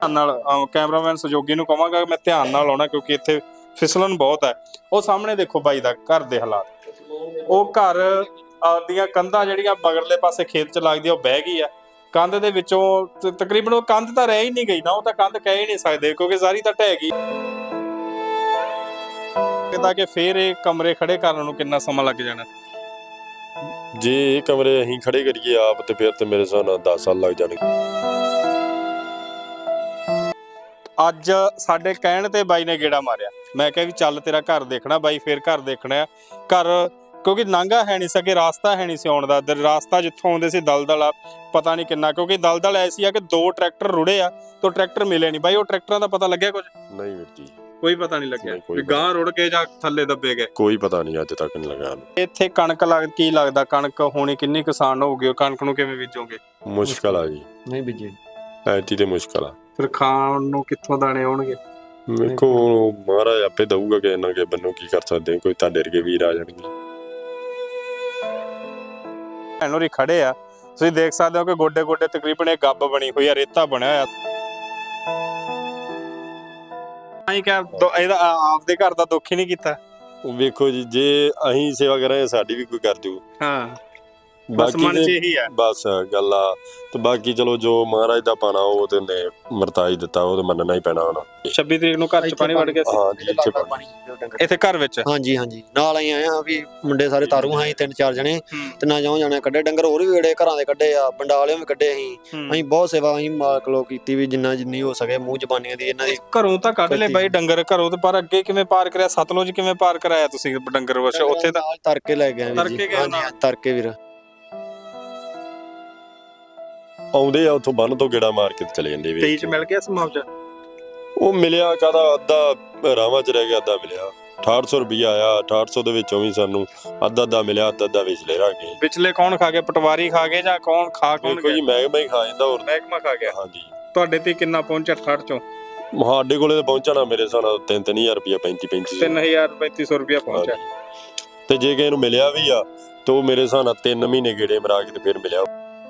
Cameraman सहयोगी ਨੂੰ ਕਹਾਂਗਾ ਮੈਂ ਧਿਆਨ ਨਾਲ ਆਉਣਾ ਕਿਉਂਕਿ ਇੱਥੇ ਫਿਸਲਣ ਬਹੁਤ ਹੈ। ਉਹ ਸਾਹਮਣੇ ਦੇਖੋ ਬਾਈ ਦਾ ਘਰ ਦੇ ਹਾਲਾਤ। ਉਹ ਘਰ ਦੀਆਂ ਕੰਧਾਂ ਜਿਹੜੀਆਂ ਮਗਰਲੇ ਪਾਸੇ ਖੇਤ 'ਚ ਲੱਗਦੀ ਆ ਉਹ ਬਹਿ ਗਈ ਆ। ਕੰਧ ਦੇ ਵਿੱਚੋਂ ਤਕਰੀਬਨ ਉਹ ਕੰਧ ਤਾਂ ਰਹਿ ਹੀ ਨਹੀਂ ਗਈ ਨਾ, ਉਹ ਤਾਂ ਕੰਧ ਕਹਿ ਹੀ ਨਹੀਂ ਸਕਦੇ ਕਿਉਂਕਿ ਸਾਰੀ ਤਾਂ ਢਹਿ ਗਈ। ਤਾਂ ਕਿ ਫੇਰ ਇਹ ਕਮਰੇ ਖੜੇ ਕਰਨ ਨੂੰ ਕਿੰਨਾ ਸਮਾਂ ਲੱਗ ਜਾਣਾ? ਜੇ ਇਹ ਕਮਰੇ ਅਸੀਂ ਖੜੇ ਕਰੀਏ ਆਪ ਤੇ ਫਿਰ ਤੇ ਮੇਰੇ ਹਿਸਾਬ ਨਾਲ 10 ਸਾਲ ਲੱਗ ਜਾਣਗੇ। ਅੱਜ ਸਾਡੇ ਕਹਿਣ ਤੇ ਬਾਈ ਨੇ ਗੇੜਾ ਮਾਰਿਆ। ਮੈਂ ਕਿਹਾ ਵੀ ਚੱਲ ਤੇਰਾ ਘਰ ਦੇਖਣਾ ਬਾਈ, ਫੇਰ ਘਰ ਦੇਖਣਾ ਘਰ, ਕਿਉਂਕਿ ਨਾਂਗਾ ਹੈ ਨਹੀਂ ਸਕੇ, ਰਾਸਤਾ ਹੈ ਨਹੀਂ ਸੀ ਆਉਣ ਦਾ। ਰਾਸਤਾ ਜਿੱਥੋਂ ਆਉਂਦੇ ਸੀ ਦਲਦਲ ਆ, ਪਤਾ ਨਹੀਂ ਕਿੰਨਾ, ਕਿਉਂਕਿ ਦਲਦਲ ਐਸੀ ਆ ਕਿ 2 ਟਰੈਕਟਰ ਰੁੜੇ ਆ ਤੇ ਟਰੈਕਟਰ ਮਿਲੇ ਨਹੀਂ। ਬਾਈ ਉਹ ਟਰੈਕਟਰਾਂ ਦਾ ਪਤਾ ਲੱਗਿਆ ਕੁਝ? ਨਹੀਂ ਵੀਰ ਜੀ, ਕੋਈ ਪਤਾ ਨਹੀਂ ਲੱਗਿਆ ਵੀ ਗਾਂ ਰੁੜ ਕੇ ਜਾਂ ਥੱਲੇ ਦੱਬੇ ਗਏ। ਕੋਈ ਪਤਾ ਨਹੀਂ ਅੱਜ ਤੱਕ ਨਹੀਂ ਲੱਗਾ। ਇੱਥੇ ਕਣਕ ਕੀ ਲੱਗਦਾ ਕਣਕ ਹੋਣੀ ਕਿੰਨੀ ਕਿਸਾਨ ਹੋਊਗੀ? ਕਣਕ ਨੂੰ ਕਿਵੇਂ ਬੀਜੋਗੇ? ਮੁਸ਼ਕਲ ਆ ਜੀ, ਨਹੀਂ ਬੀਜੇ ਐਤੀ ਤੇ ਮੁਸ਼ਕਲ ਆ। ਫਿਰ ਖਾਣ ਨੂੰ ਕਿੱਥੋਂ ਦਾਣੇ ਆਉਣਗੇ? ਵੇਖੋ ਮਹਾਰਾਜ ਆਪੇ ਦਊਗਾ ਕਿ ਇਹਨਾਂ ਕੇ ਬੰਨੋ ਕੀ ਕਰ ਸਕਦੇ, ਕੋਈ ਤੁਹਾਡੇ ਵਰਗੇ ਵੀਰ ਆ ਜਾਣਗੇ। ਇਹਨੋਂ ਖੜੇ ਆ, ਤੁਸੀਂ ਦੇਖ ਸਕਦੇ ਹੋ ਕਿ ਗੋਡੇ ਗੋਡੇ ਤਕਰੀਬਨ ਇਹ ਗੱਬ ਬਣੀ ਹੋਈ ਆ, ਰੇਤਾ ਬਣਿਆ ਹੋਇਆ। ਇਹਦਾ ਆਪਦੇ ਘਰ ਦਾ ਦੁੱਖ ਹੀ ਨਹੀਂ ਕੀਤਾ। ਵੇਖੋ ਜੀ, ਜੇ ਅਸੀਂ ਸੇਵਾ ਕਰਾਂਗੇ ਸਾਡੀ ਵੀ ਕੋਈ ਕਰ ਜੂ। ਹਾਂ, ਬਸ ਮਨ 'ਚ ਇਹੀ ਆ, ਬਸ ਗੱਲ ਆ। ਤੇ ਬਾਕੀ ਚਲੋ ਜੋ ਮਹਾਰਾਜ ਦਾ ਪਾਣਾ ਉਹ ਤੇ ਨੇ ਮਰਤਾਈ ਦਿੱਤਾ, ਉਹ ਤੇ ਮੰਨਣਾ ਹੀ ਪੈਣਾ ਹੁਣ। 26 ਤਰੀਕ ਨੂੰ ਘਰ 'ਚ ਪਾਣੀ ਵੜ ਗਿਆ ਸੀ। ਹਾਂ ਜੀ, ਇੱਥੇ ਘਰ ਵਿੱਚ। ਹਾਂਜੀ ਹਾਂਜੀ, ਨਾਲ ਆਏ ਆ ਵੀ ਮੁੰਡੇ ਸਾਰੇ ਤਾਰੂ ਹਾਂ 3-4 ਜਣੇ ਤੇ ਨਾ ਜਾਉ ਜਾਣੇ ਕੱਢੇ ਡੰਗਰ, ਹੋਰ ਵੀ ਵੇੜੇ ਘਰਾਂ ਦੇ ਕੱਢੇ ਆ, ਬੰਡਾਲਿਓਂ ਵੀ ਕੱਢੇ। ਅਸੀਂ ਬਹੁਤ ਸੇਵਾ ਅਸੀਂ ਮਾਲਕ ਲੋ ਕੀਤੀ ਵੀ ਜਿੰਨੀ ਹੋ ਸਕੇ ਮੂੰਹ ਜ਼ਬਾਨੀਆਂ ਦੀ ਇਹਨਾਂ ਦੀ। ਘਰੋਂ ਤਾਂ ਕੱਢ ਲਏ ਬਾਈ ਡੰਗਰ ਘਰੋਂ, ਤੇ ਪਰ ਅੱਗੇ ਕਿਵੇਂ ਪਾਰ ਕਰਿਆ? ਸਤਲੁਜ ਕਿਵੇਂ ਪਾਰ ਕਰਾਇਆ ਤੁਸੀਂ ਡੰਗਰ? ਉੱਥੇ ਤਾਂ ਤਰ ਕੇ ਲੈ ਗਏ। ਹਾਂਜੀ ਤਰ ਕੇ ਵੀਰ ਆਉਂਦੇ ਆ ਉੱਥੋਂ ਬੰਨ ਤੋਂ ਗੇੜਾ ਮਾਰ ਕੇ ਚਲੇ ਜਾਂਦੇ। 23 ਚ ਮਿਲ ਗਿਆ ਸੀ ਮੁਆਵਜ਼ਾ? ਉਹ ਮਿਲਿਆ ਕਾਹਦਾ, ਅੱਧਾ ਰਾਵਾਂ 'ਚ ਰਹਿ ਗਿਆ, ਅੱਧਾ ਮਿਲਿਆ। 6800 ਰੁਪਈਆ ਆਇਆ, 6800 ਦੇ ਵਿੱਚੋਂ ਵੀ ਸਾਨੂੰ ਅੱਧਾ ਮਿਲਿਆ, ਅੱਧਾ ਵਿਚਲੇ ਰਹਿ ਗਏ। ਵਿਚਲੇ ਕੌਣ ਖਾ ਗਿਆ? ਪਟਵਾਰੀ ਖਾ ਗਏ ਜਾਂ ਕੌਣ ਖਾ ਗਿਆ? ਕੋਈ ਮਹਿਕਮਾ ਹੀ ਖਾ ਜਾਂਦਾ। ਹੋਰ ਮਹਿਕਮਾ ਖਾ ਗਿਆ? ਹਾਂਜੀ। ਤੁਹਾਡੇ ਤੇ ਕਿੰਨਾ ਪਹੁੰਚਿਆ 68 ਚੋਂ? ਸਾਡੇ ਕੋਲੇ ਤਾਂ ਪਹੁੰਚਣਾ ਮੇਰੇ ਹਿਸਾਬ ਨਾਲ 3000 ਰੁਪਈਆ, 3500 ਰੁਪਈਆ ਪਹੁੰਚਿਆ। ਤੇ ਜੇ ਕਿਸੇ ਨੂੰ ਮਿਲਿਆ ਵੀ ਆ ਤਾਂ ਉਹ ਮੇਰੇ ਹਿਸਾਬ ਨਾਲ 3 ਮਹੀਨੇ ਗੇੜੇ ਮਰਾ ਕੇ ਤੇ ਫਿਰ ਮਿਲਿਆ।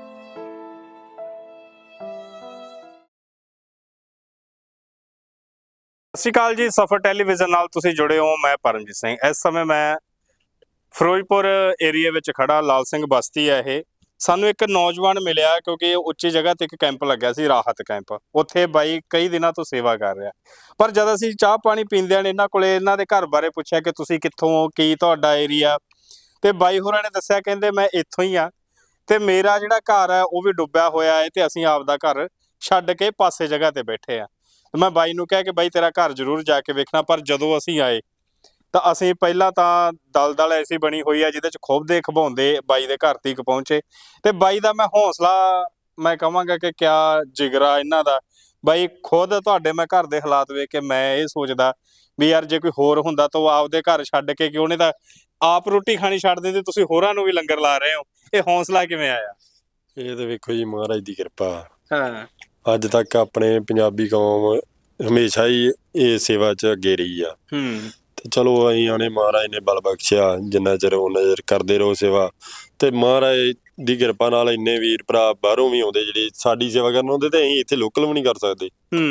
ਸਤਿ ਸ਼੍ਰੀ ਅਕਾਲ ਜੀ, ਸਫਰ ਟੈਲੀਵਿਜ਼ਨ ਨਾਲ ਤੁਸੀਂ ਜੁੜੇ ਹੋ। ਮੈਂ ਪਰਮਜੀਤ ਸਿੰਘ। ਇਸ ਸਮੇਂ ਮੈਂ ਫਿਰੋਜ਼ਪੁਰ ਏਰੀਆ ਵਿੱਚ ਖੜਾ। ਲਾਲ ਸਿੰਘ ਬਸਤੀ ਹੈ ਇਹ। ਸਾਨੂੰ ਇੱਕ ਨੌਜਵਾਨ ਮਿਲਿਆ ਕਿਉਂਕਿ ਉੱਚੀ ਜਗ੍ਹਾ ਤੇ ਇੱਕ ਕੈਂਪ ਲੱਗਿਆ ਸੀ, ਰਾਹਤ ਕੈਂਪ। ਉੱਥੇ ਬਾਈ ਕਈ ਦਿਨਾਂ ਤੋਂ ਸੇਵਾ ਕਰ ਰਿਹਾ। ਪਰ ਜਦ ਅਸੀਂ ਚਾਹ ਪਾਣੀ ਪੀਂਦਿਆਂ ਨੇ ਇਹਨਾਂ ਕੋਲੇ ਇਹਨਾਂ ਦੇ ਘਰ ਬਾਰੇ ਪੁੱਛਿਆ ਕਿ ਤੁਸੀਂ ਕਿੱਥੋਂ ਹੋ, ਕੀ ਤੁਹਾਡਾ ਏਰੀਆ, ਤੇ ਬਾਈ ਹੋਰਾਂ ਨੇ ਦੱਸਿਆ ਕਹਿੰਦੇ ਮੈਂ ਇੱਥੋਂ ਹੀ ਆ ਤੇ ਮੇਰਾ ਜਿਹੜਾ ਘਰ ਹੈ ਉਹ ਵੀ ਡੁੱਬਿਆ ਹੋਇਆ ਹੈ ਤੇ ਅਸੀਂ ਆਪਦਾ ਘਰ ਛੱਡ ਕੇ ਪਾਸੇ ਜਗ੍ਹਾ ਤੇ ਬੈਠੇ ਆ। ਮੈਂ ਬਾਈ ਨੂੰ ਕਿਹਾ ਕਿ ਬਾਈ ਤੇਰਾ ਘਰ ਜ਼ਰੂਰ ਜਾ ਕੇ ਵੇਖਣਾ। ਪਰ ਜਦੋਂ ਅਸੀਂ ਆਏ ਤਾਂ ਅਸੀਂ ਪਹਿਲਾਂ ਤਾਂ ਦਲਦਲ ਐਸੀ ਬਣੀ ਹੋਈ ਆ ਜਿਹਦੇ 'ਚ ਖੁੱਬਦੇ ਖਵਾਉਂਦੇ ਬਾਈ ਦੇ ਘਰ ਤੀਕ ਪਹੁੰਚੇ। ਤੇ ਬਾਈ ਦਾ ਮੈਂ ਹੌਸਲਾ ਮੈਂ ਕਹਾਂਗਾ ਕਿ ਕਿਆ ਜਿਗਰਾ ਇਹਨਾਂ ਦਾ। ਬਾਈ ਖੁਦ ਤੁਹਾਡੇ ਮੈਂ ਘਰ ਦੇ ਹਾਲਾਤ ਵੇਖ ਕੇ ਮੈਂ ਇਹ ਸੋਚਦਾ ਵੀ ਯਾਰ ਜੇ ਕੋਈ ਹੋਰ ਹੁੰਦਾ ਤਾਂ ਉਹ ਆਪਦੇ ਘਰ ਛੱਡ ਕੇ ਕਿਉਂ, ਉਹਨੇ ਤਾਂ ਆਪ ਰੋਟੀ ਖਾਣੀ ਛੱਡ ਦਿੰਦੇ, ਤੁਸੀਂ ਹੋਰਾਂ ਨੂੰ ਵੀ ਲੰਗਰ ਲਾ ਰਹੇ ਹੋ। ਇਹ ਹੌਸਲਾ ਕਿਵੇਂ ਆਇਆ? ਇਹ ਤਾਂ ਵੇਖੋ ਜੀ ਮਹਾਰਾਜ ਦੀ ਕਿਰਪਾ। ਹਾਂ, ਅੱਜ ਤੱਕ ਆਪਣੇ ਪੰਜਾਬੀ ਕੌਮ ਹਮੇਸ਼ਾ ਹੀ ਇਹ ਸੇਵਾ 'ਚ ਅੱਗੇ ਰਹੀ ਆ। ਤੇ ਚਲੋ ਅਸੀਂ ਆਣੇ, ਮਹਾਰਾਜ ਨੇ ਬਲ ਬਖਸ਼ਿਆ, ਜਿੰਨਾ ਚਿਰ ਉਹਨਾਂ ਚਿਰ ਕਰਦੇ ਰਹੋ ਸੇਵਾ। ਤੇ ਮਹਾਰਾਜ ਦੀ ਕਿਰਪਾ ਨਾਲ ਇੰਨੇ ਵੀਰ ਭਰਾ ਬਾਹਰੋਂ ਵੀ ਆਉਂਦੇ ਜਿਹੜੇ ਸਾਡੀ ਸੇਵਾ ਕਰਨ ਆਉਂਦੇ, ਤੇ ਅਸੀਂ ਇੱਥੇ ਲੋਕਲ ਵੀ ਨਹੀਂ ਕਰ ਸਕਦੇ।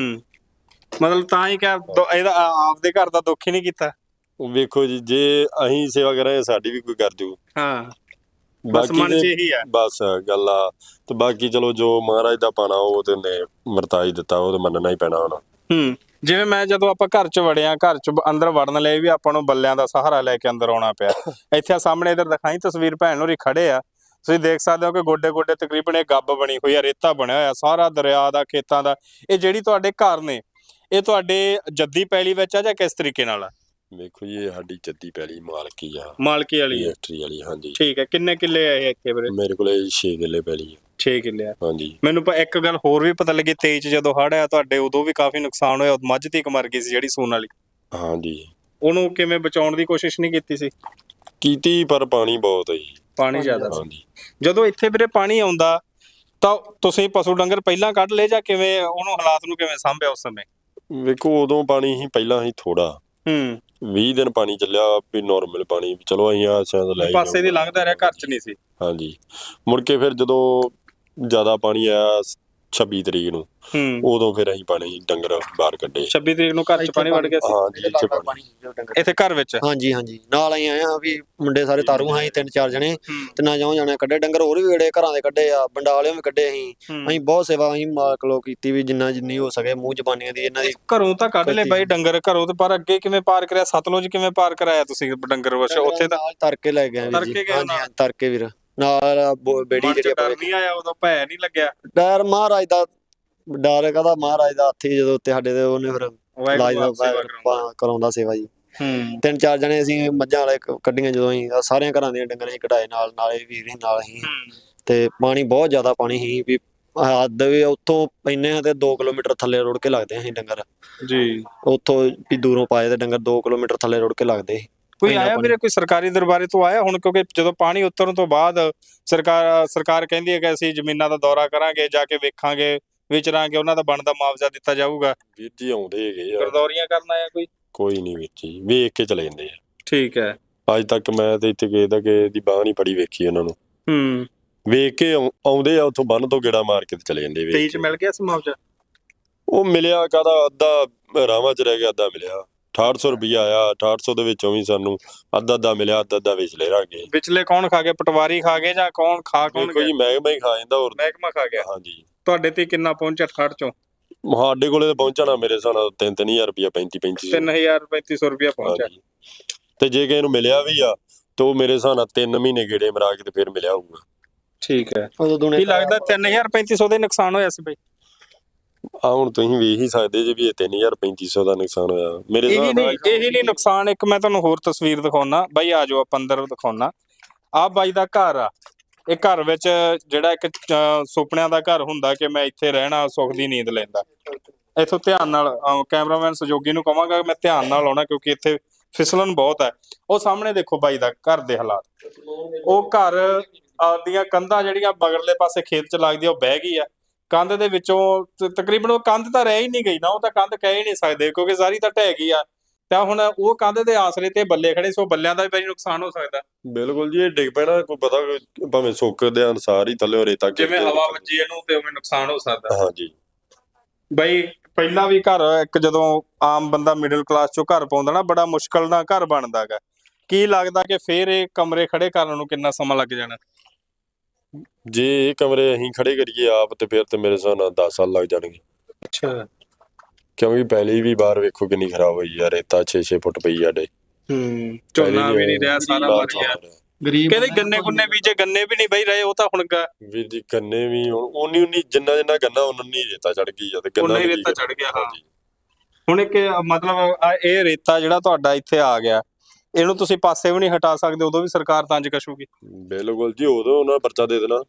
ਮਤਲਬ ਤਾਂ ਹੀ ਕਿਹਾ ਇਹਦਾ ਆਪਦੇ ਘਰ ਦਾ ਦੁੱਖ ਹੀ ਨਹੀਂ ਕੀਤਾ। ਵੇਖੋ ਜੀ, ਜੇ ਅਸੀਂ ਸੇਵਾ ਕਰਾਂਗੇ ਸਾਡੀ ਵੀ ਕੋਈ ਕਰ ਜੂ। ਹਾਂ, ਬਸ ਮਨ 'ਚ ਇਹੀ ਆ, ਬਸ ਗੱਲ ਆ। ਤੇ ਬਾਕੀ ਚਲੋ ਜੋ ਮਹਾਰਾਜ ਦਾ ਪਾਣਾ ਉਹ ਤੇ ਨੇ ਮਰਤਾਈ ਦਿੱਤਾ, ਉਹ ਤੇ ਮੰਨਣਾ ਹੀ ਪੈਣਾ ਹੁਣ। ਜਿਵੇਂ ਮੈਂ ਜਦੋਂ ਆਪਾਂ ਘਰ 'ਚ ਵੜਿਆ, ਘਰ 'ਚ ਅੰਦਰ ਵੜਨ ਲਈ ਵੀ ਆਪਾਂ ਨੂੰ ਬੱਲਿਆਂ ਦਾ ਸਹਾਰਾ ਲੈ ਕੇ ਅੰਦਰ ਆਉਣਾ ਪਿਆ। ਇੱਥੇ ਸਾਹਮਣੇ ਇੱਧਰ ਦਿਖਾਈ ਤਸਵੀਰ, ਭੈਣ ਹੋਰੀ ਖੜੇ ਆ, ਤੁਸੀਂ ਦੇਖ ਸਕਦੇ ਹੋ ਕਿ ਗੋਡੇ ਗੋਡੇ ਤਕਰੀਬਨ ਇਹ ਗੱਬ ਬਣੀ ਹੋਈ ਆ, ਰੇਤਾ ਬਣਿਆ ਹੋਇਆ ਸਾਰਾ ਦਰਿਆ ਦਾ, ਖੇਤਾਂ ਦਾ। ਇਹ ਜਿਹੜੀ ਤੁਹਾਡੇ ਘਰ ਨੇ ਇਹ ਤੁਹਾਡੇ ਜੱਦੀ ਪੈਲੀ ਵਿੱਚ ਆ ਜਾਂ ਕਿਸ ਤਰੀਕੇ ਨਾਲ ਆ? ਵੇਖੋ ਜੀ, ਇਹ ਸਾਡੀ ਜੱਦੀ ਪੈਲੀ ਮਾਲਕੀ ਆ, ਮਾਲਕੀ ਵਾਲੀ ਰਜਿਸਟਰੀ ਵਾਲੀ। ਹਾਂਜੀ ਠੀਕ ਹੈ। ਕਿੰਨੇ ਕਿੱਲੇ ਆ ਇਹ ਇੱਥੇ ਵੀਰੇ? ਮੇਰੇ ਕੋਲੇ 6 ਕਿੱਲੇ ਪੈਲੀ ਆ। 6 ਕਿੱਲੇ ਆ? ਹਾਂਜੀ। ਮੈਨੂੰ ਇੱਕ ਗੱਲ ਹੋਰ ਵੀ ਪਤਾ ਲੱਗੀ, 23 ਚ ਜਦੋਂ ਹੜ੍ਹ ਆਇਆ ਤੁਹਾਡੇ ਉਦੋਂ ਵੀ ਕਾਫੀ ਨੁਕਸਾਨ ਹੋਇਆ, ਮੱਝ ਤੀਕ ਮਰ ਗਈ ਸੀ ਜਿਹੜੀ ਸੂਣ ਵਾਲੀ। ਹਾਂਜੀ। ਉਹਨੂੰ ਕਿਵੇਂ ਬਚਾਉਣ ਦੀ ਕੋਸ਼ਿਸ਼ ਨਹੀਂ ਕੀਤੀ ਸੀ? ਕੀਤੀ, ਪਰ ਪਾਣੀ ਬਹੁਤ ਹੈ ਜੀ, ਪਾਣੀ ਜ਼ਿਆਦਾ ਸੀ। ਹਾਂਜੀ। ਜਦੋਂ ਇੱਥੇ ਵੀਰੇ ਪਾਣੀ ਆਉਂਦਾ ਤਾਂ ਤੁਸੀਂ ਪਸ਼ੂ ਡੰਗਰ ਪਹਿਲਾਂ ਕੱਢ ਲਏ ਜਾਂ ਕਿਵੇਂ, ਉਹਨੂੰ ਹਾਲਾਤ ਨੂੰ ਕਿਵੇਂ ਸਾਂਭਿਆ ਉਸ ਸਮੇਂ? ਵੇਖੋ ਉਦੋਂ ਪਾਣੀ ਹੀ ਪਹਿਲਾਂ ਹੀ ਥੋੜਾ 20 ਦਿਨ ਪਾਣੀ ਚੱਲਿਆ ਵੀ ਨਾਰਮਲ ਪਾਣੀ, ਚਲੋ ਅਸੀਂ ਆ ਸ਼ਾਇਦ ਲੈ ਪਾਸੇ ਦੀ ਲੰਘਦਾ ਰਿਹਾ, ਘਰ 'ਚ ਨਹੀਂ ਸੀ। ਹਾਂਜੀ। ਮੁੜ ਕੇ ਫਿਰ ਜਦੋਂ ਜ਼ਿਆਦਾ ਪਾਣੀ ਆਇਆ 26 ਤਰੀਕ ਨੂੰ ਉਦੋਂ ਫਿਰ ਅਸੀਂ ਪਾਣੀ ਡੰਗਰ ਬਾਹਰ ਕੱਢੇ। 26 ਤਰੀਕ ਨੂੰ ਘਰ ਚ ਪਾਣੀ ਵੜ ਗਿਆ ਸੀ? ਹਾਂਜੀ ਇੱਥੇ ਪਾਣੀ ਇੱਥੇ ਘਰ ਵਿੱਚ? ਹਾਂਜੀ ਹਾਂਜੀ, ਨਾਲ ਅਸੀਂ ਆਏ ਆ ਵੀ ਮੁੰਡੇ ਸਾਰੇ ਤਾਰੂ ਹਾਂ ਅਸੀਂ 3-4 ਜਣੇ ਤੇ ਨਾ ਜਾਉ ਜਾਣੇ ਕੱਢੇ ਡੰਗਰ, ਹੋਰ ਵੀ ਵੇੜੇ ਘਰਾਂ ਦੇ ਕੱਢੇ ਆ, ਬੰਡਾਲਿਓਂ ਵੀ ਕੱਢੇ। ਅਸੀਂ ਬਹੁਤ ਸੇਵਾ ਅਸੀਂ ਮਾਲਕ ਲੋਕ ਕੀਤੀ ਵੀ ਜਿੰਨੀ ਹੋ ਸਕੇ ਮੂੰਹ ਜ਼ਬਾਨੀਆਂ ਦੀ ਇਹਨਾਂ ਦੀ। ਘਰੋਂ ਤਾਂ ਕੱਢ ਲਏ ਬਾਈ ਡੰਗਰ ਘਰੋਂ, ਤੇ ਪਰ ਅੱਗੇ ਕਿਵੇਂ ਪਾਰ ਕਰਿਆ? ਸਤਲੁਜ ਕਿਵੇਂ ਪਾਰ ਕਰਾਇਆ ਤੁਸੀਂ ਡੰਗਰ? ਉੱਥੇ ਤਾਂ ਤਰ ਕੇ ਲੈ ਗਏ ਵੀਰ ਜੀ। ਹਾਂਜੀ ਤਰ ਕੇ ਵੀਰ, ਨਾਲ ਬੇੜੀ ਜਿਹੜੀ ਡਰ ਨਹੀਂ ਆਇਆ ਉਦੋਂ? ਭੈ ਨਹੀਂ ਲੱਗਿਆ? ਡਰ ਮਹਾਰਾਜ ਦਾ ਡਰ ਕਾਹਦਾ, ਮਹਾਰਾਜ ਦਾ ਹੱਥ ਹੀ ਜਦੋਂ ਉੱਤੇ ਸਾਡੇ ਤੇ, ਉਹਨੇ ਫਿਰ ਇਲਾਜ ਦਾ ਕਰਾਉਂਦਾ ਸੇਵਾ ਜੀ। 3-4 ਜਣੇ ਅਸੀਂ ਮੱਝਾਂ ਵਾਲੇ ਕੱਢੀਆਂ ਜਦੋਂ ਅਸੀਂ ਸਾਰਿਆਂ ਘਰਾਂ ਦੀਆਂ ਡੰਗਰਾਂ ਅਸੀਂ ਕਢਾਏ, ਨਾਲੇ ਵੀਰ ਨਾਲ ਹੀ। ਤੇ ਪਾਣੀ ਬਹੁਤ ਜ਼ਿਆਦਾ ਪਾਣੀ ਸੀ ਵੀ ਹੱਦ ਵੀ ਉੱਥੋਂ ਪੈਨੇ ਆ ਤੇ 2 ਕਿਲੋਮੀਟਰ ਥੱਲੇ ਰੁੜ ਕੇ ਲੱਗਦੇ ਅਸੀਂ ਡੰਗਰ ਜੀ। ਉੱਥੋਂ ਵੀ ਦੂਰੋਂ ਪਾਏ ਤੇ ਡੰਗਰ 2 ਕਿਲੋਮੀਟਰ ਥੱਲੇ ਰੁੜ ਕੇ ਲੱਗਦੇ। ਕੋਈ ਆਇਆ ਵੀਰੇ, ਕੋਈ ਸਰਕਾਰੀ ਦਰਬਾਰੇ ਤੋਂ ਆਇਆ ਹੁਣ? ਕਿਉਂਕਿ ਜਦੋਂ ਪਾਣੀ ਉਤਰਨ ਤੋਂ ਬਾਅਦ ਸਰਕਾਰ ਕਹਿੰਦੀ ਹੈ ਕਿ ਅਸੀਂ ਜ਼ਮੀਨਾਂ ਦਾ ਦੌਰਾ ਕਰਾਂਗੇ, ਜਾ ਕੇ ਵੇਖਾਂਗੇ, ਵਿਚਰਾਂਗੇ, ਉਹਨਾਂ ਦਾ ਬਣਦਾ ਮੁਆਵਜ਼ਾ ਦਿੱਤਾ ਜਾਊਗਾ। ਵੀਰ ਜੀ ਆਉਂਦੇ ਹੈਗੇ ਆ, ਗਰਦੌਰੀਆਂ ਕਰਨ ਆਇਆ ਕੋਈ ਨਹੀਂ ਵੀਰ ਜੀ, ਵੇਖ ਕੇ ਚਲੇ ਜਾਂਦੇ ਆ। ਠੀਕ ਹੈ। ਅੱਜ ਤੱਕ ਮੈਂ ਤੇ ਇੱਥੇ ਕਿਸੇ ਦੀ ਬਾਂਹ ਨਹੀਂ ਫੜੀ ਵੇਖੀ ਉਹਨਾਂ ਨੂੰ। ਵੇਖ ਕੇ ਆਉਂਦੇ ਆ, ਉੱਥੋਂ ਬੰਨ ਤੋਂ ਗੇੜਾ ਮਾਰ ਕੇ ਤੇ ਚਲੇ ਜਾਂਦੇ। 23 ਚ ਮਿਲ ਗਿਆ ਸੀ ਮੁਆਵਜ਼ਾ? ਉਹ ਮਿਲਿਆ ਕਾਹਦਾ, ਅੱਧਾ ਰਾਵਾਂ ਚ ਰਹਿ ਗਿਆ, ਅੱਧਾ ਮਿਲਿਆ। 6800 ਰੁਪਇਆ ਆਇਆ, 6800 ਦੇ ਵਿੱਚੋਂ ਵੀ ਸਾਨੂੰ ਅੱਧਾ ਮਿਲਿਆ, ਅੱਧਾ ਵਿਚਲੇ ਰਹਿ ਗਏ। ਵਿਚਲੇ ਕੌਣ ਖਾ ਗਏ? ਪਟਵਾਰੀ ਖਾ ਗਏ ਜਾਂ ਕੌਣ ਕੋਈ ਮਹਿਕਮਾ ਹੀ ਖਾ ਜਾਂਦਾ। ਹੋਰ ਮਹਿਕਮਾ ਖਾ ਗਿਆ? ਹਾਂਜੀ। ਤੁਹਾਡੇ ਤੇ ਕਿੰਨਾ ਪਹੁੰਚਿਆ 68 ਚੋਂ? ਸਾਡੇ ਕੋਲੇ ਤਾਂ ਪਹੁੰਚਣਾ ਮੇਰੇ ਹਿਸਾਬ ਨਾਲ 3-3000 ਰੁਪਇਆ, 3500 ਰੁਪਇਆ ਪਹੁੰਚਿਆ। ਤੇ ਜੇ ਕਿਸੇ ਨੂੰ ਮਿਲਿਆ ਵੀ ਆ ਤਾਂ ਉਹ ਮੇਰੇ ਹਿਸਾਬ ਨਾਲ 3 ਮਹੀਨੇ ਗੇੜੇ ਮਰਾ ਕੇ ਤੇ ਫਿਰ ਮਿਲਿਆ ਹੋਊਗਾ। ਠੀਕ ਹੈ। ਕੀ ਲੱਗਦਾ 3500 ਦਾ ਨੁਕਸਾਨ ਹੋਇਆ ਸੀ ਬਈ? ਹੁਣ ਤੁਸੀਂ ਵੇਖ ਹੀ ਸਕਦੇ ਜੇ ਵੀ ਇਹ 3500 ਦਾ ਨੁਕਸਾਨ ਹੋਇਆ ਮੇਰੇ ਹਿਸਾਬ ਨਾਲ। ਇਹੀ ਨਹੀਂ ਨੁਕਸਾਨ, ਇੱਕ ਮੈਂ ਤੁਹਾਨੂੰ ਹੋਰ ਤਸਵੀਰ ਦਿਖਾਉਣਾ ਬਾਈ, ਆ ਜਾਓ ਆਪਾਂ ਅੰਦਰ ਦਿਖਾਉਣਾ। ਆਹ ਬਾਈ ਦਾ ਘਰ ਆ। ਇਹ ਘਰ ਵਿੱਚ ਜਿਹੜਾ ਇੱਕ ਸੁਪਨਿਆਂ ਦਾ ਘਰ ਹੁੰਦਾ ਕਿ ਮੈਂ ਇੱਥੇ ਰਹਿਣਾ, ਸੁੱਖ ਦੀ ਨੀਂਦ ਲੈਂਦਾ। ਇੱਥੋਂ ਧਿਆਨ ਨਾਲ ਕੈਮਰਾਮੈਨ ਸਹਿਯੋਗੀ ਨੂੰ ਕਹਾਂਗਾ ਮੈਂ ਧਿਆਨ ਨਾਲ ਆਉਣਾ, ਕਿਉਂਕਿ ਇੱਥੇ ਫਿਸਲਣ ਬਹੁਤ ਹੈ। ਉਹ ਸਾਹਮਣੇ ਦੇਖੋ ਬਾਈ ਦਾ ਘਰ ਦੇ ਹਾਲਾਤ। ਉਹ ਘਰ ਦੀਆਂ ਕੰਧਾਂ ਜਿਹੜੀਆਂ ਬਗਰਲੇ ਪਾਸੇ ਖੇਤ ਚ ਲੱਗਦੀਆਂ, ਉਹ ਬਹਿ ਗਈ ਆ। ਕੰਧ ਦੇ ਵਿੱਚੋਂ ਤਕਰੀਬਨ ਉਹ ਕੰਧ ਤਾਂ ਰਹਿ ਹੀ ਨਹੀਂ ਗਈ ਨਾ, ਉਹ ਤਾਂ ਕੰਧ ਕਹਿ ਹੀ ਨਹੀਂ ਸਕਦੇ ਕਿਉਂਕਿ ਸਾਰੀ ਤਾਂ ਢਹਿ ਗਈ ਆ। ਤਾਂ ਹੁਣ ਉਹ ਕੰਧ ਦੇ ਆਸਰੇ ਤੇ ਬੱਲੇ ਖੜੇ ਸੋ, ਬੱਲਿਆਂ ਦਾ ਵੀ ਬਈ ਨੁਕਸਾਨ ਹੋ ਸਕਦਾ। ਬਿਲਕੁਲ ਜੀ, ਇਹ ਡਿੱਗ ਪੈਣਾ, ਕੋਈ ਪਤਾ ਭਾਵੇਂ ਸੁੱਕ ਦੇ ਅਨਸਾਰ ਹੀ ਥੱਲੇ ਰੇਤਾ ਜਿਵੇਂ ਹਵਾ ਵੱਜੀ ਇਹਨੂੰ ਤੇ ਉਵੇਂ ਨੁਕਸਾਨ ਹੋ ਸਕਦਾ। ਹਾਂਜੀ ਬਈ ਪਹਿਲਾਂ ਵੀ ਘਰ ਇੱਕ ਜਦੋਂ ਆਮ ਬੰਦਾ ਮਿਡਲ ਕਲਾਸ ਚੋਂ ਘਰ ਪਾਉਂਦਾ ਨਾ, ਬੜਾ ਮੁਸ਼ਕਲ ਨਾਲ ਘਰ ਬਣਦਾ ਗਾ। ਕੀ ਲੱਗਦਾ ਕਿ ਫੇਰ ਇਹ ਕਮਰੇ ਖੜੇ ਕਰਨ ਨੂੰ ਕਿੰਨਾ ਸਮਾਂ ਲੱਗ ਜਾਣਾ? ਜੇ ਇਹ ਕਮਰੇ ਅਸੀਂ ਖੜੇ ਕਰੀਏ ਆਪ ਤੇ ਫਿਰ ਤੇ ਮੇਰੇ ਹਿਸਾਬ ਨਾਲ 10 ਸਾਲ ਲੱਗ ਜਾਣਗੇ। ਅੱਛਾ। ਕਿਉਂਕਿ ਪਹਿਲੀ ਵੀ ਬਾਹਰ ਵੇਖੋ ਕਿੰਨੀ ਖਰਾਬ ਹੋਈ ਆ, ਰੇਤਾ 6-6 ਫੁੱਟ ਪਈ ਸਾਡੇ। ਝੋਨਾ ਵੀ ਨਹੀਂ ਰਿਹਾ, ਸਾਰਾ ਮਰ ਗਿਆ। ਗਰੀਬ ਕਹਿੰਦੇ ਗੰਨੇ ਬੀਜੇ, ਗੰਨੇ ਵੀ ਨਹੀਂ ਬਈ ਰਹੇ। ਉਹ ਤਾਂ ਹੁਣ ਵੀਰ ਜੀ ਗੰਨੇ ਵੀ ਉਨੀ ਜਿੰਨਾ ਗੰਨਾ ਉਨੀ ਰੇਤਾ ਚੜ ਗਈ ਆ, ਤੇ ਗੰਨਾ ਹੀ ਰੇਤਾ ਚੜ ਗਿਆ। ਹਾਂ ਹੁਣ ਇੱਕ ਮਤਲਬ ਇਹ ਰੇਤਾ ਜਿਹੜਾ ਤੁਹਾਡਾ ਇੱਥੇ ਆ ਗਿਆ, ਇਹਨੂੰ ਤੁਸੀਂ ਪਾਸੇ ਵੀ ਨਹੀਂ ਹਟਾ ਸਕਦੇ, ਉਦੋਂ ਵੀ ਸਰਕਾਰ ਤੰਜ ਕਸ਼ੂਗੀ। ਬਿਲਕੁਲ ਜੀ, ਉਦੋਂ ਉਹਨਾਂ ਪਰਚਾ ਦੇ ਦੇਣਾ।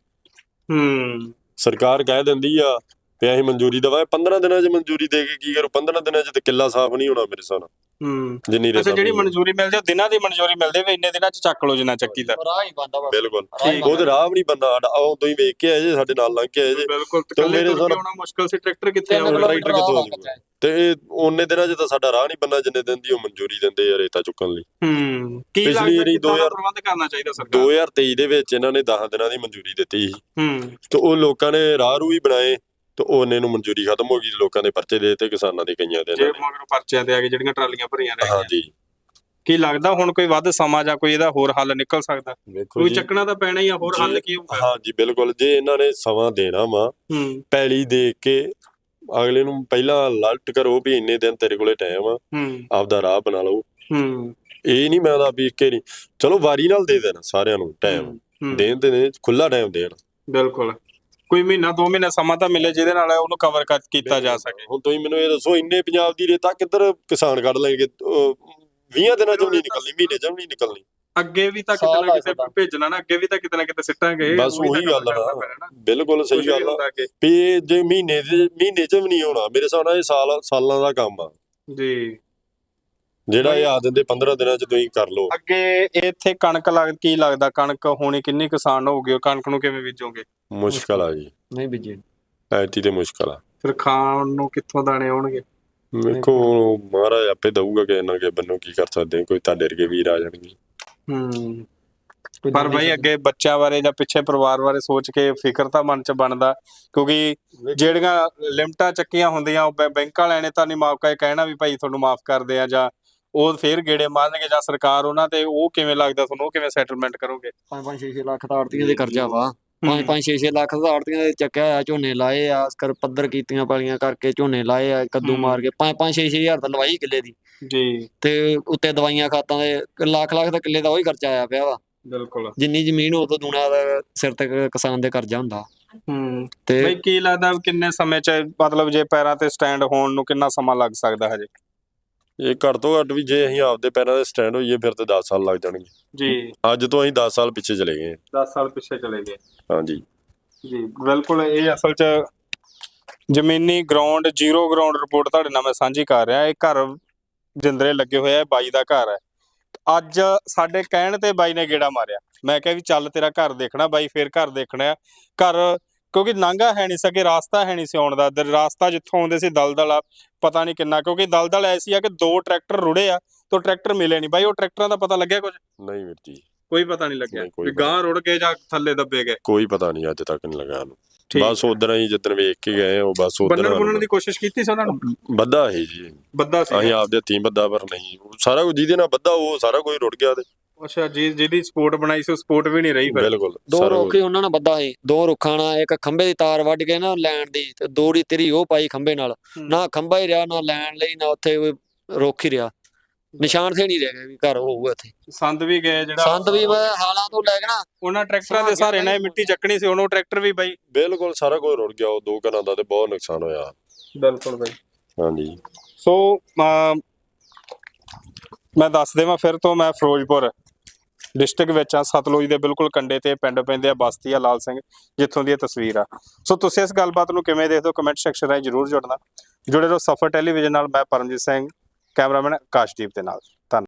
ਸਰਕਾਰ ਕਹਿ ਦਿੰਦੀ ਆ ਤੇ ਅਸੀਂ ਮਨਜ਼ੂਰੀ ਦਵਾਏ, 15 ਦਿਨਾਂ 'ਚ ਮਨਜ਼ੂਰੀ ਦੇ ਕੇ ਕੀ ਕਰੋ? 15 ਦਿਨਾਂ 'ਚ ਤੇ ਕਿੱਲਾ ਸਾਫ਼ ਨਹੀਂ ਹੋਣਾ ਮੇਰੇ ਹਿਸਾਬ ਨਾਲ। ਜਿੰਨੀ ਰੇਤਾ ਜਿਹੜੀ ਮਨਜ਼ੂਰੀ ਮਿਲਦੀ ਆ, ਦਿਨਾਂ ਦੀ ਮਨਜ਼ੂਰੀ ਮਿਲਦੀ ਵੀ ਇੰਨੇ ਦਿਨਾਂ 'ਚ ਚੱਕ ਲਓ ਜਿੰਨਾ ਚੱਕੀ ਦਾ। ਬਿਲਕੁਲ, ਉਹਦੇ ਰਾਹ ਵੀ ਨਹੀਂ ਬੰਦਾ ਸਾਡਾ। ਆਹ ਤੁਸੀਂ ਵੇਖ ਕੇ ਆਏ ਜੇ, ਸਾਡੇ ਨਾਲ ਲੰਘ ਕੇ ਆਏ ਜੇ। ਬਿਲਕੁਲ, ਮੇਰੇ ਹਿਸਾਬ ਨਾਲ ਮੁਸ਼ਕਲ ਸੀ। ਟਰੈਕਟਰ ਕਿੱਥੇ ਆਉਣਾ? ਟਰੈਕਟਰ ਕਿੱਥੋਂ ਆਊਗਾ? ਤੇ ਉਹਨੇ ਦਿਨਾਂ 'ਚ ਤਾਂ ਸਾਡਾ ਰਾਹ ਨਹੀਂ ਬੰਨਾ ਜਿੰਨੇ ਦਿਨ ਦੀ ਉਹ ਮਨਜ਼ੂਰੀ ਦਿੰਦੇ ਆ ਰੇਤਾ ਚੁੱਕਣ ਲਈ। ਕੀ ਲੱਗਦਾ ਕਿੰਨਾ ਪ੍ਰਬੰਧ ਕਰਨਾ ਚਾਹੀਦਾ ਸਰਕਾਰ? 2023 ਦੇ ਵਿੱਚ ਇਹਨਾਂ ਨੇ 10 ਦਿਨਾਂ ਦੀ ਮਨਜ਼ੂਰੀ ਦਿੱਤੀ ਸੀ, ਤੇ ਉਹ ਲੋਕਾਂ ਨੇ ਰਾਹ ਰੂ ਵੀ ਬਣਾਏ, ਤੇ ਉਹਨੇ ਨੂੰ ਮਨਜ਼ੂਰੀ ਖਤਮ ਹੋ ਗਈ। ਲੋਕਾਂ ਦੇ ਪਰਚੇ ਦੇ ਦਿੱਤੇ, ਕਿਸਾਨਾਂ ਦੇ ਕਈਆਂ ਦੇ ਮਗਰੋਂ ਪਰਚਿਆਂ ਤੇ ਆ ਕੇ ਜਿਹੜੀਆਂ ਟਰਾਲੀਆਂ ਭਰੀਆਂ ਰਹਿ ਗਈਆਂ। ਹਾਂਜੀ। ਕੀ ਲੱਗਦਾ ਹੁਣ ਕੋਈ ਵੱਧ ਸਮਾਂ ਜਾਂ ਕੋਈ ਇਹਦਾ ਹੋਰ ਹੱਲ ਨਿਕਲ ਸਕਦਾ? ਕੋਈ ਚੱਕਣਾ ਤਾਂ ਪੈਣਾ ਹੀ ਆ, ਹੋਰ ਹੱਲ ਕੀ ਹੋਊਗਾ? ਹਾਂਜੀ ਬਿਲਕੁਲ, ਜੇ ਇਹਨਾਂ ਨੇ ਸਮਾਂ ਦੇਣਾ ਵਾ, ਪੈਲੀ ਦੇਖ ਕੇ ਅਗਲੇ ਨੂੰ ਪਹਿਲਾਂ ਅਲਰਟ ਕਰੋ ਵੀ ਇੰਨੇ ਦਿਨ ਤੇਰੇ ਕੋਲੇ ਟਾਈਮ ਆ, ਆਪਦਾ ਰਾਹ ਬਣਾ ਲਓ। ਇਹ ਨਹੀਂ ਮੈਂ ਤਾਂ ਵੀ ਇੱਕੇ ਨਹੀਂ, ਚਲੋ ਵਾਰੀ ਨਾਲ ਦੇ ਦੇਣਾ ਸਾਰਿਆਂ ਨੂੰ ਟਾਈਮ ਦੇਣ, ਤੇ ਖੁੱਲਾ ਟਾਈਮ ਦੇਣ। ਬਿਲਕੁਲ, ਕੋਈ ਮਹੀਨਾ 2 ਮਹੀਨਾ ਸਮਾਂ ਤਾਂ ਮਿਲੇ ਜਿਹਦੇ ਨਾਲ ਉਹਨੂੰ ਕਵਰ ਕੀਤਾ ਜਾ ਸਕੇ। ਹੁਣ ਤੁਸੀਂ ਮੈਨੂੰ ਇਹ ਦੱਸੋ, ਇੰਨੇ ਪੰਜਾਬ ਦੀ ਰੇਤਾ ਕਿੱਧਰ ਕਿਸਾਨ ਕੱਢ ਲੈਣਗੇ? 20 ਦਿਨਾਂ 'ਚ ਨਹੀਂ ਨਿਕਲਣੀ, ਮਹੀਨੇ 'ਚ ਨਹੀਂ ਨਿਕਲਣੀ। ਅੱਗੇ ਵੀ ਤਾਂ ਕਿਤੇ ਨਾ ਕਿਤੇ ਭੇਜਣਾ ਨਾ, ਅੱਗੇ ਵੀ ਤਾਂ ਕਿਤੇ ਨਾ ਕਿਤੇ ਸਿੱਟਾਂਗੇ। ਬਸ ਉਹੀ ਗੱਲ ਆ, ਬਿਲਕੁਲ ਸਹੀ ਗੱਲ ਆ ਵੀ ਜੇ ਮਹੀਨੇ 'ਚ ਵੀ ਨਹੀਂ ਹੋਣਾ ਮੇਰੇ ਹਿਸਾਬ ਨਾਲ। ਇਹ ਸਾਲਾਂ ਦਾ ਕੰਮ ਆ ਜੀ, ਜਿਹੜਾ ਇਹ ਆ ਦਿੰਦੇ 15 ਦਿਨਾਂ 'ਚ ਤੁਸੀਂ ਕਰ ਲਓ। ਅੱਗੇ ਇੱਥੇ ਕਣਕ ਕੀ ਲੱਗਦਾ ਕਣਕ ਹੋਣੀ ਕਿੰਨੀ ਕਿਸਾਨ ਹੋਊਗੀ? ਕਣਕ ਨੂੰ ਕਿਵੇਂ ਬੀਜੋਗੇ? ਮੁਸ਼ਕਲ ਆ ਜੀ, ਨਹੀਂ ਬੀਜੇ ਐਤੀ ਤੇ ਮੁਸ਼ਕਲ ਆ। ਫਿਰ ਖਾਣ ਨੂੰ ਕਿੱਥੋਂ ਦਾਣੇ ਆਉਣਗੇ? ਵੇਖੋ ਮਹਾਰਾਜ ਆਪੇ ਦਊਗਾ, ਕਿਸੇ ਨਾ ਕਿਸੇ ਬੰਨੋਂ ਕੀ ਕਰ ਸਕਦੇ। ਕੋਈ ਤੁਹਾਡੇ ਵਰਗੇ ਵੀਰ ਆ ਜਾਣਗੇ। ਪਰ ਬਾਈ ਅੱਗੇ ਬੱਚਿਆਂ ਬਾਰੇ ਜਾਂ ਪਿੱਛੇ ਪਰਿਵਾਰ ਬਾਰੇ ਸੋਚ ਕੇ ਫਿਕਰ ਤਾਂ ਮਨ 'ਚ ਬਣਦਾ, ਕਿਉਂਕਿ ਜਿਹੜੀਆਂ ਲਿਮਟਾਂ ਚੱਕੀਆਂ ਹੁੰਦੀਆਂ ਉਹ ਬੈਂਕ ਵਾਲਿਆਂ ਨੇ ਤਾਂ ਨਹੀਂ ਮਾਫ ਕਰ ਕਹਿਣਾ ਵੀ ਭਾਈ ਤੁਹਾਨੂੰ ਮਾਫ ਕਰਦੇ ਆ, ਜਾਂ ਉਹ ਫੇਰ ਗੇੜੇ ਮਾਰਨਗੇ, ਜਾਂ ਸਰਕਾਰ ਉਹਨਾਂ ਤੇ, ਉਹ ਕਿਵੇਂ ਲੱਗਦਾ ਤੁਹਾਨੂੰ, ਉਹ ਕਿਵੇਂ ਸੈਟਲਮੈਂਟ ਕਰੋਗੇ? 5-6 ਲੱਖ ਦਾ ਆੜਤੀਆਂ ਦੇ ਕਰਜ਼ਾ ਵਾ, 5-6 ਲੱਖ ਦਾ ਆੜਤੀਆਂ ਦੇ ਚੱਕਿਆ ਆ, ਝੋਨੇ ਲਾਏ ਆ, ਕਰ ਪੱਧਰ ਕੀਤੀਆਂ ਪਾਲੀਆਂ ਕਰਕੇ ਝੋਨੇ ਲਾਏ ਆ, ਕੱਦੂ ਮਾਰ ਕੇ 5-6 ਹਜ਼ਾਰ ਤਾਂ ਲਵਾਈ ਕਿੱਲੇ ਦੀ ਜੀ, ਤੇ ਉੱਤੇ ਦਵਾਈਆਂ ਖਾਤਾਂ ਦੇ ਲੱਖ ਦਾ ਕਿੱਲੇ ਦਾ ਉਹੀ ਖਰਚਾ ਆਇਆ ਪਿਆ ਵਾ। ਬਿਲਕੁਲ। ਜਿੰਨੀ ਜ਼ਮੀਨ ਉਹ ਤੋਂ ਦੂਣਾ ਦਾ ਸਿਰ ਤੇ ਕਿਸਾਨ ਦੇ ਕਰਜ਼ਾ ਹੁੰਦਾ। ਤੇ ਬਈ ਕੀ ਲੱਗਦਾ ਕਿੰਨੇ ਸਮੇਂ 'ਚ, ਮਤਲਬ ਜੇ ਪੈਰਾਂ ਤੇ ਸਟੈਂਡ ਹੋਣ ਨੂੰ ਕਿੰਨਾ ਸਮਾਂ ਲੱਗ ਸਕਦਾ ਹਜੇ? ਇਹ ਘੱਟ ਤੋਂ ਘੱਟ ਵੀ ਜੇ ਅਸੀਂ ਆਪਦੇ ਪੈਰਾਂ ਤੇ ਸਟੈਂਡ ਹੋਈਏ ਫਿਰ ਤੇ 10 ਸਾਲ ਲੱਗ ਜਾਣਗੇ ਜੀ। ਅੱਜ ਤੋਂ ਅਸੀਂ 10 ਸਾਲ ਪਿੱਛੇ ਚਲੇ ਗਏ 10 ਸਾਲ ਪਿੱਛੇ ਚਲੇ ਗਏ। ਹਾਂਜੀ ਜੀ ਬਿਲਕੁਲ। ਇਹ ਅਸਲ 'ਚ ਜ਼ਮੀਨੀ ਗਰਾਊਂਡ, ਜ਼ੀਰੋ ਗਰਾਊਂਡ ਰਿਪੋਰਟ ਤੁਹਾਡੇ ਨਾਲ ਮੈਂ ਸਾਂਝੀ ਕਰ ਰਿਹਾ। ਇਹ ਘਰ ਜਿੰਦਰੇ ਲੱਗੇ ਹੋਏ ਆ, ਬਾਈ ਦਾ ਘਰ ਹੈ। ਅੱਜ ਸਾਡੇ ਕਹਿਣ ਤੇ ਬਾਈ ਨੇ ਗੇੜਾ ਮਾਰਿਆ, ਮੈਂ ਕਿਹਾ ਵੀ ਚੱਲ ਤੇਰਾ ਘਰ ਦੇਖਣਾ ਬਾਈ, ਫੇਰ ਘਰ ਦੇਖਣਾ ਘਰ, ਕਿਉਂਕਿ ਨਾਂਗਾ ਹੈ ਨਹੀਂ ਸਕੇ, ਰਾਸਤਾ ਹੈ ਨਹੀਂ ਸੀ ਆਉਣ ਦਾ। ਰਾਸਤਾ ਜਿੱਥੋਂ ਆਉਂਦੇ ਸੀ ਦਲਦਲ ਆ, ਪਤਾ ਨਹੀਂ ਕਿੰਨਾ, ਕਿਉਂਕਿ ਦਲਦਲ ਐਸੀ ਆ ਕਿ 2 ਟਰੈਕਟਰ ਰੁੜੇ ਆ ਤੇ ਟਰੈਕਟਰ ਮਿਲੇ ਨਹੀਂ ਬਾਈ। ਉਹ ਟਰੈਕਟਰਾਂ ਦਾ ਪਤਾ ਲੱਗਿਆ ਕੁਝ? ਨਹੀਂ ਵੀਰ ਜੀ, ਕੋਈ ਪਤਾ ਨਹੀਂ ਲੱਗਿਆ ਨਹੀਂ, ਕੋਈ ਵੀ ਪਤਾ ਗਾਂ ਰੁੜ ਗਏ ਜਾਂ ਥੱਲੇ ਦੱਬੇ ਗਏ? ਕੋਈ ਪਤਾ ਨਹੀਂ ਅੱਜ ਤੱਕ ਨਹੀਂ ਲੱਗਾ ਸਾਨੂੰ। ਠੀਕ। ਬਸ ਉਧਰ ਹੀ ਜਿੱਦਣ ਵੇਖ ਕੇ ਗਏ ਉਹ ਬਸ ਬੰਨਣ ਉਧਰ ਬੁੰਨਣ ਦੀ ਕੋਸ਼ਿਸ਼ ਕੀਤੀ ਸੀ ਉਹਨਾਂ ਨੂੰ? ਬੱਦਾ ਹੈ ਜੀ, ਬੱਦਾ ਸੀ। ਅਸੀਂ ਆਪਦੇ ਹੱਥੀਂ ਬੱਦਾ, ਪਰ ਨਹੀਂ ਸਾਰਾ ਕੁਝ ਜਿਹਦੇ ਨਾਲ ਬੱਦਾ ਉਹ ਸਾਰਾ ਕੁਝ ਰੁੜ ਗਿਆ ਤੇ। ਅੱਛਾ ਜੀ, ਜਿਹਦੀ ਸਪੋਰਟ ਬਣਾਈ ਸੀ ਉਹ ਸਪੋਰਟ ਵੀ ਨਹੀਂ ਰਹੀ ਫਿਰ? ਬਿਲਕੁਲ। 2 ਰੁੱਖ ਹੀ ਉਹਨਾਂ ਨਾਲ ਬੱਧਾ ਸੀ, 2 ਰੁੱਖਾਂ ਨਾਲ, ਇੱਕ ਖੰਭੇ ਦੀ ਤਾਰ ਵੱਢ ਕੇ ਨਾ ਲੈਣ ਦੀ, ਤੇ 2 ਦੀ ਤੇਰੀ ਉਹ ਪਾਈ ਖੰਭੇ ਨਾਲ, ਨਾ ਖੰਭਾ ਹੀ ਰਿਹਾ, ਨਾ ਲੈਣ ਲਈ, ਨਾ ਉੱਥੇ ਕੋਈ ਰੁੱਖ ਹੀ ਰਿਹਾ। ਨਿਸ਼ਾਨ ਸੇ ਨਹੀਂ ਰਹਿ ਗਿਆ ਵੀ ਘਰ ਹੋਊਗਾ ਇੱਥੇ। ਸੰਦ ਵੀ ਗਏ, ਜਿਹੜਾ ਸੰਦ ਵੀ ਹਾਲਾਂ ਤੋਂ ਲੈ ਕੇ ਨਾ ਉਹਨਾਂ ਟਰੈਕਟਰਾਂ ਦੇ ਸਹਾਰੇ ਨਾਲ ਮਿੱਟੀ ਚੱਕਣੀ ਸੀ, ਉਹਨੂੰ ਟਰੈਕਟਰ ਵੀ ਬਾਈ। ਬਿਲਕੁਲ ਸਾਰਾ ਕੁਝ ਰੁੜ ਗਿਆ। ਉਹ 2 ਘਰਾਂ ਦਾ ਤੇ ਬਹੁਤ ਨੁਕਸਾਨ ਹੋਇਆ। ਬਿਲਕੁਲ ਬਾਈ। ਹਾਂਜੀ। ਸੋ ਮੈਂ ਦੱਸ ਦੇਵਾਂ ਫਿਰ ਤੋਂ, ਮੈਂ ਫਿਰੋਜ਼ਪੁਰ ਡਿਸਟ੍ਰਿਕਟ ਵਿੱਚ ਆ, ਸਤਲੁਜ ਦੇ ਬਿਲਕੁਲ ਕੰਢੇ ਤੇ ਪਿੰਡ ਪੈਂਦੇ ਆ, ਬਸਤੀ ਆ ਲਾਲ ਸਿੰਘ, ਜਿੱਥੋਂ ਦੀ ਇਹ ਤਸਵੀਰ ਆ। ਸੋ ਤੁਸੀਂ ਇਸ ਗੱਲਬਾਤ ਨੂੰ ਕਿਵੇਂ ਦੇਖਦੇ ਹੋ, ਕਮੈਂਟ ਸੈਕਸ਼ਨ ਰਾਹੀਂ ਜ਼ਰੂਰ ਜੁੜੇ ਰਹੋ ਸਫਰ ਟੈਲੀਵਿਜ਼ਨ ਨਾਲ। ਮੈਂ ਪਰਮਜੀਤ ਸਿੰਘ, ਕੈਮਰਾਮੈਨ ਆਕਾਸ਼ਦੀਪ ਦੇ ਨਾਲ। ਧੰਨਵਾਦ।